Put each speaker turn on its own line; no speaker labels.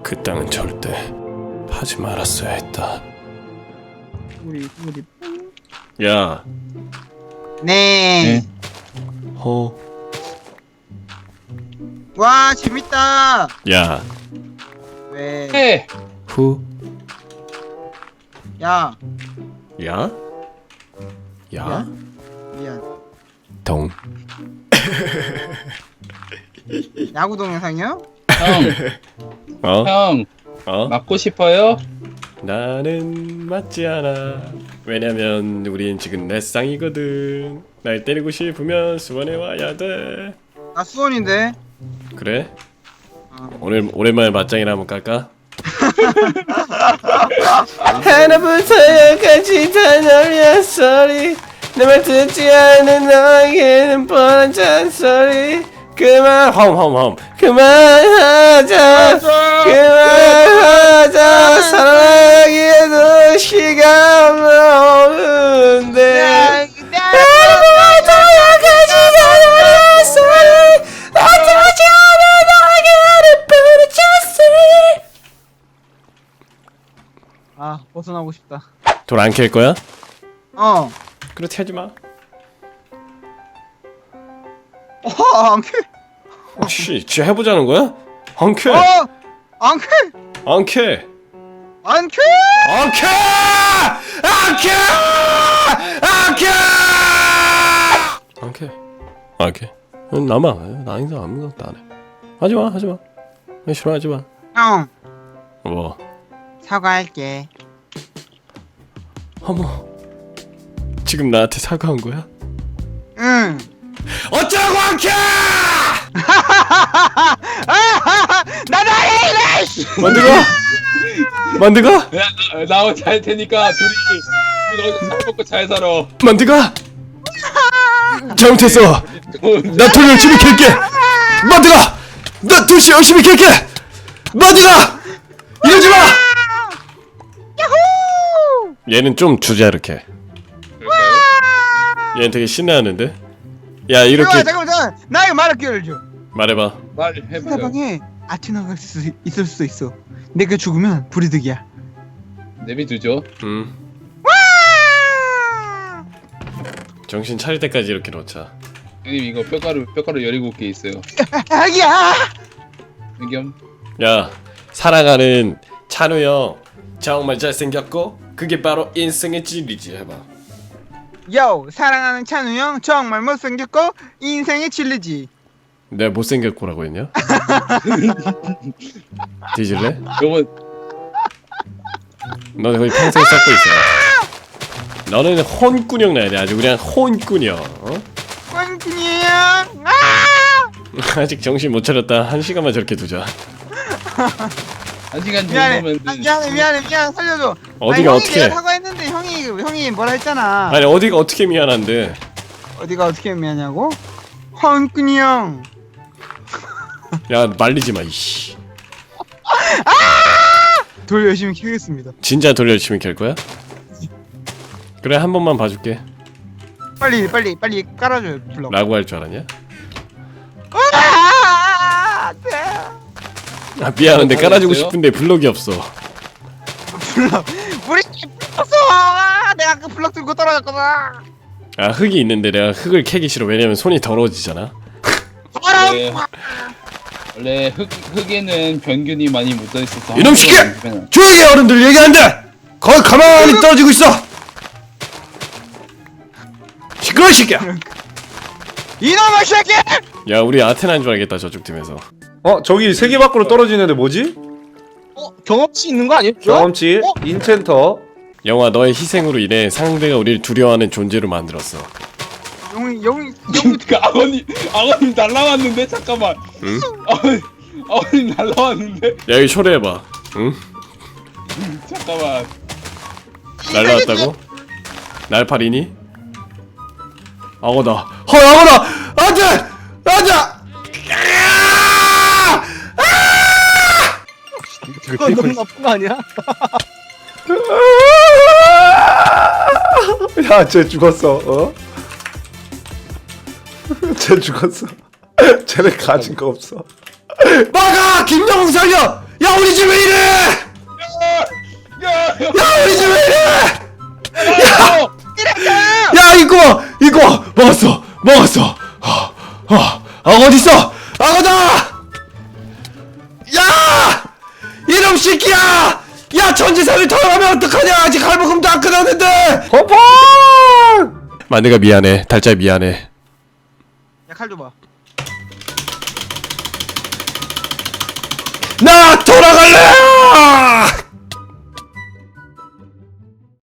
그 땅은 절대 하지 말았어야 했다.
우리
야,
네.
허,
와 재밌다.
야,
왜?
해.
후,
야
야, 야,
미안.
동.
야구 동영상이요?
어?
형,
어?
맞고 싶어요?
나는 맞지 않아. 왜냐면 우린 지금 넷상이거든. 날 때리고 싶으면 수원에 와야 돼.
나 수원인데.
그래?
어.
오랜만에 맞짱이나 한번 깔까? 하나부터 열까지 다 놀려 소리. 내 말 듣지 않는 너에게는 뻔한 잔소리. 그만 홈 그만하자 사랑하기에도 시간 없는데 하나부터 열까지 다 놀려 소리. 나 듣지 않는 너에게는 뻔한 잔소리.
아 벗어나고 싶다.
돌 안 캘 거야?
어.
그렇게 하지 마.
안 캐.
씨, 진짜 해보자는 거야? 안 캐.
안 캐.
안 캐.
안 캐.
안 캐. 안 캐. 안 캐. 안 캐. 안 캐. 나만 나 인사 아무것도 안 해. 하지 마, 하지 마. 싫어하지 마.
형
뭐?
사과할게.
어머. 지금 나한테 사과한 거야?
응.
어쩌라고 안 캐!
나다 이래.
만드가? 만드가?
야, 나 혼자 할 테니까 둘이 잘 먹고 잘 살아.
만드가? 잘못했어. 나 돌 열심히 캘게. 만드가! 나 돌 열심히 캘게. 만드가! 이러지 마. 얘는 좀 주자 이렇게.
그럴까요?
얘는 되게 신나하는데. 야 이렇게
잠깐만. 나 이거 말할 기회를 줘.
말해봐.
말해보세요.
상대방에 아테나가 있을 수 있어. 내가 죽으면 불이득이야.
내비두죠.
정신 차릴 때까지 이렇게 놓자.
형님 이거 뼈가루 17개 있어요.
아기야.
의겸.
야 사랑하는 찬우 형 정말 잘생겼고 그게 바로 인생의 진리지 해봐.
요 사랑하는 찬우 형 정말 못생겼고 인생의 진리지.
내가 못생겼고라고 했냐? 뒤질래?
요번
너 거의 평생 쌓고 있어. 너는 혼꾸녕 나야 돼. 아주 그냥 혼꾸녕. 어?
꽝꾼이 형.
아직 정신 못 차렸다. 1시간만 저렇게 두자.
1시간
미안해.
정도면
미안해 살려줘.
어디가
형이
어떻게?
내가 사과했는데 형이 뭐라 했잖아.
아니 어디가 어떻게 미안한데?
어디가 어떻게 미안하냐고? 꽝꾼이 형.
야 말리지 마 이씨.
돌 열심히 키우겠습니다.
진짜 돌 열심히 캘 거야? 그래 한 번만 봐줄게.
빨리 깔아줘요 블럭.
라고 할 줄 알았냐?
네.
아 미안한데 깔아주고 싶은데 블럭이 없어.
블럭 우리 불렀어. 내가 그 블럭 들고 떨어졌거든.
아 흙이 있는데 내가 흙을 캐기 싫어. 왜냐면 손이 더러워지잖아.
원래 흙에는 병균이 많이 묻어 있어서
이놈 새끼! 조용히 해 어른들 얘기 안 돼! 거기 가만히 떨어지고 있어! 시끄러워 이 새끼야!
이놈의 새끼!
야 우리 아테나인 줄 알겠다 저쪽 팀에서.
저기 세계 밖으로 떨어지는데 뭐지?
경험치 있는 거 아니에요?
경험치, 인챈터.
영화 너의 희생으로 인해 상대가 우리를 두려워하는 존재로 만들었어.
영이
그 아버님 날라왔는데 잠깐만.
응?
아버님 날라왔는데
야 여기 초래해봐. 응?
잠깐만.
날라왔다고? 날파리니? 악어다. 악어다! 안돼! 안돼!
너무 나쁜 거 아니야?
야, 쟤 죽었어. 어? 쟤 죽었어. 쟤네 가진 거 없어.
막아! 김정웅 살려! 야 우리 집 왜 이래?
야,
야 우리 집 왜 이래?
야,
야 이거 먹었어. 어딨어? 악어다! 야! 이놈 새끼야! 야 전지산을 털어가면 어떡하냐? 아직 할부금도 안 끊었는데!
거판!
만드가 미안해. 달짜 미안해.
야 칼 줘봐.
나 돌아갈래!